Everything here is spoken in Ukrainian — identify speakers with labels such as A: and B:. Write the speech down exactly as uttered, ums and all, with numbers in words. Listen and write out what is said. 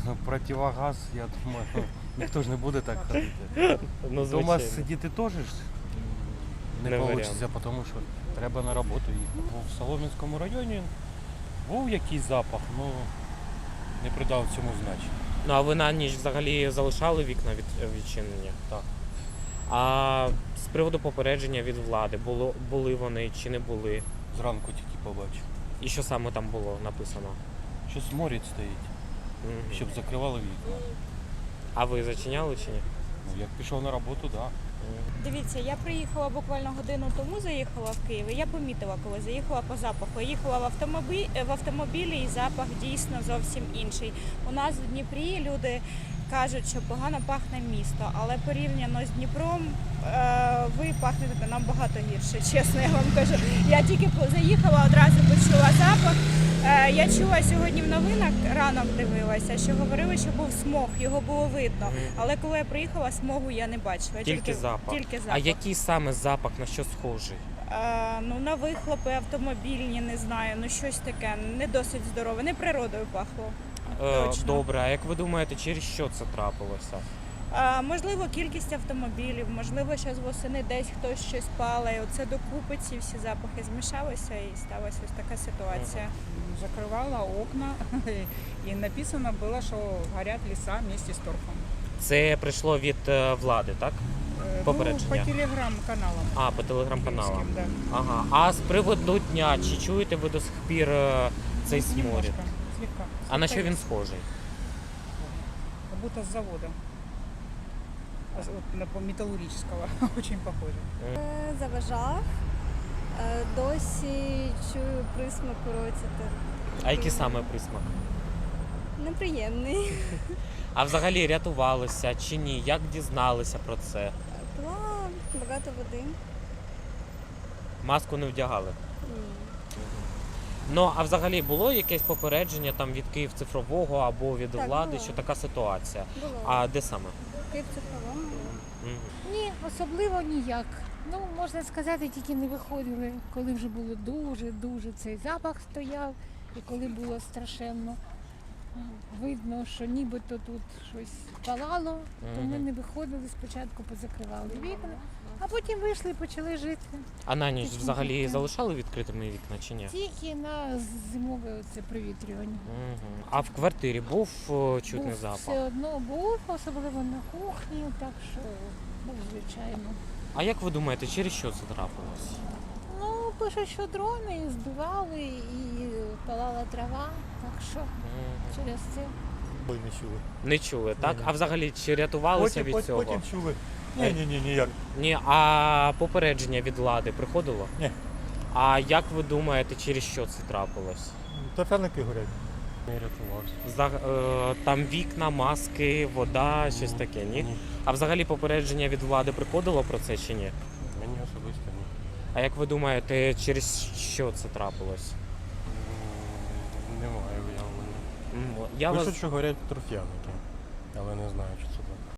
A: противогаз, я думаю, ніхто ж не буде так ходити.
B: Ну,
A: Дома
B: звичайно.
A: сидіти теж ж не
B: Не
A: вийде,
B: варіант.
A: тому що треба на роботу їхати. В Солом'янському районі був якийсь запах, але не придав цьому значення.
B: Ну, а ви на ніч взагалі залишали вікна від, відчинені?
A: Так.
B: А з приводу попередження від влади, було, були вони чи не були?
A: Зранку тільки побачив.
B: І що саме там було написано?
A: Щось морять стоїть,
B: Мгм.
A: щоб закривали вікна.
B: А ви зачиняли чи ні?
A: Ну, як пішов на роботу, так. Да.
C: Дивіться, я приїхала буквально годину тому, заїхала в Київ, і я помітила, коли заїхала по запаху. Я їхала в автомобілі, в автомобілі і запах дійсно зовсім інший. У нас в Дніпрі люди кажуть, що погано пахне місто, але порівняно з Дніпром е, ви пахнете нам багато гірше, чесно я вам кажу. Я тільки заїхала, одразу почула запах. Е, Я чула сьогодні в новинах, ранок дивилася, що говорили, що був смог, його було видно.
B: Мгм.
C: Але коли я приїхала, смогу я не бачила.
B: Тільки запах.
C: Тільки запах.
B: А який саме запах, на що схожий?
C: Е, ну, на вихлопи автомобільні, не знаю, ну щось таке, не досить здорове, не природою пахло.
B: Е,
C: Точно.
B: Добре, а як ви думаєте, через що це трапилося?
C: Е, можливо, кількість автомобілів, можливо, зараз восени десь хтось щось палає. Оце докупи ці всі запахи змішалися і сталася ось така ситуація.
D: Закрывала окна, и написано было, что горят леса вместе с торфом.
B: Це прийшло від е, влади, так?
D: Э,
B: Попередження.
D: Ну, по телеграм-каналам.
B: А, по телеграм-каналам.
D: киевским, да.
B: Ага. А з приводу дня, чи чуєте ви до сих пір е, цей
D: Ну,
B: сморід?
D: немножко, слегка.
B: А на що
D: Слегка
B: він
D: есть.
B: схожий?
D: Как будто с завода. А с- вот на- по- металлургического. Очень похоже.
E: Е, Заважав. Е, Досі чую присмак у роті.
B: А який саме присмак?
E: Неприємний.
B: А взагалі рятувалися чи ні? Як дізналися про це?
E: Пила багато води.
B: Маску не вдягали?
E: Ні.
B: Ну, а взагалі було якесь попередження там від Київ цифрового або від
E: Так,
B: влади,
E: було.
B: що така ситуація?
E: Було.
B: А де саме?
E: Київ цифровому.
B: Мгм.
F: Ні, особливо ніяк. Ну, можна сказати, тільки не виходили, коли вже було дуже-дуже цей запах стояв, і коли було страшенно видно, що нібито тут щось палало, то ми
B: Мгм.
F: не виходили, спочатку позакривали вікна, а потім вийшли і почали жити.
B: А на ніч
F: Тихенько.
B: взагалі залишали відкритими вікна чи ні?
F: Тільки на зимове оце провітрювання.
B: Мгм. А в квартирі був о, чутний
F: Був
B: запах?
F: все одно був, особливо на кухні, так що був звичайно.
B: А як ви думаєте, через що це трапилось?
F: Ну, пишуть, що дрони збивали і палала трава, так що
B: Мгм.
F: через це.
G: Ой, не чули.
B: Не чули, так?
G: Ні-ні.
B: А взагалі чи рятувалися
G: Потім,
B: від
G: потім,
B: цього?
G: потім чули.
B: Е.
G: Ні, ні, ні, ніяк.
B: Ні, а попередження від влади приходило?
G: Ні.
B: А як ви думаєте, через що це трапилось?
G: Торфяники горять.
A: Не рятувався.
B: За, е, там вікна, маски, вода, щось таке, ні?
A: Ні.
B: А взагалі попередження від влади приходило про це чи ні?
A: Мені особисто ні.
B: А як ви думаєте, через що це трапилось?
A: М, Немає уявлення.
B: М, Я
A: Пишуть,
B: вас...
A: що горять торфяники, але не знаю, чи це